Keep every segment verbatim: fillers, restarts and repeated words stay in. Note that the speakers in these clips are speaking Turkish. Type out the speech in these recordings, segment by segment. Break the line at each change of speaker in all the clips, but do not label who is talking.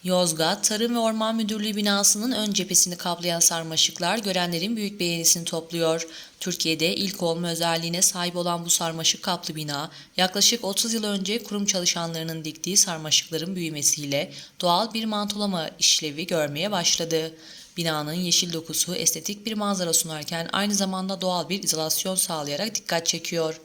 Yozgat Tarım ve Orman Müdürlüğü binasının ön cephesini kaplayan sarmaşıklar görenlerin büyük beğenisini topluyor. Türkiye'de ilk olma özelliğine sahip olan bu sarmaşık kaplı bina, yaklaşık otuz yıl önce kurum çalışanlarının diktiği sarmaşıkların büyümesiyle doğal bir mantolama işlevi görmeye başladı. Binanın yeşil dokusu estetik bir manzara sunarken aynı zamanda doğal bir izolasyon sağlayarak dikkat çekiyor.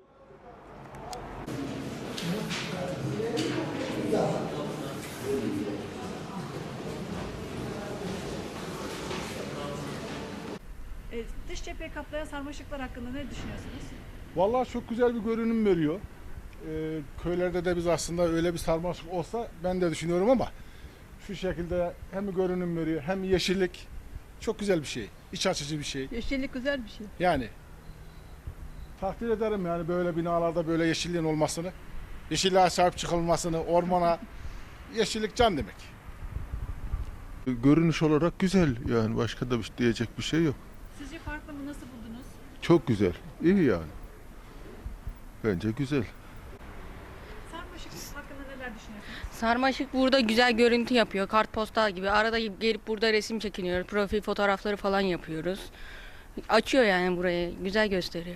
E, dış cepheyi kaplayan sarmaşıklar hakkında ne düşünüyorsunuz?
Vallahi çok güzel bir görünüm veriyor. Ee, köylerde de biz aslında öyle bir sarmaşık olsa ben de düşünüyorum ama şu şekilde hem görünüm veriyor hem yeşillik çok güzel bir şey. İç açıcı bir şey.
Yeşillik güzel bir şey.
Yani takdir ederim yani böyle binalarda böyle yeşilliğin olmasını, yeşilliğe sahip çıkılmasını, ormana yeşillik can demek.
Görünüş olarak güzel yani başka da bir- diyecek bir şey yok.
Sizce farklı mı? Nasıl buldunuz?
Çok güzel, iyi yani. Bence güzel.
Sarmaşık hakkında neler düşünüyorsunuz?
Sarmaşık burada güzel görüntü yapıyor. Kartpostal gibi. Arada gelip burada resim çekiniyoruz. Profil fotoğrafları falan yapıyoruz. Açıyor yani burayı. Güzel gösteriyor.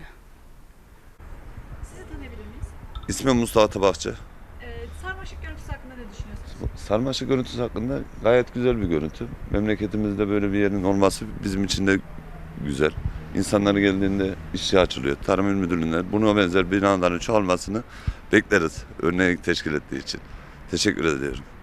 Sizi tanıyabilir miyiz?
İsmim Mustafa Tabakçı.
E, sarmaşık görüntüsü hakkında ne düşünüyorsunuz?
Sarmaşık görüntüsü hakkında gayet güzel bir görüntü. Memleketimizde böyle bir yerin olması bizim için de güzel. İnsanları geldiğinde işe açılıyor. Tarım İl Müdürlüğü'nde buna benzer binaların çoğalmasını bekleriz. Örneği teşkil ettiği için. Teşekkür ediyorum.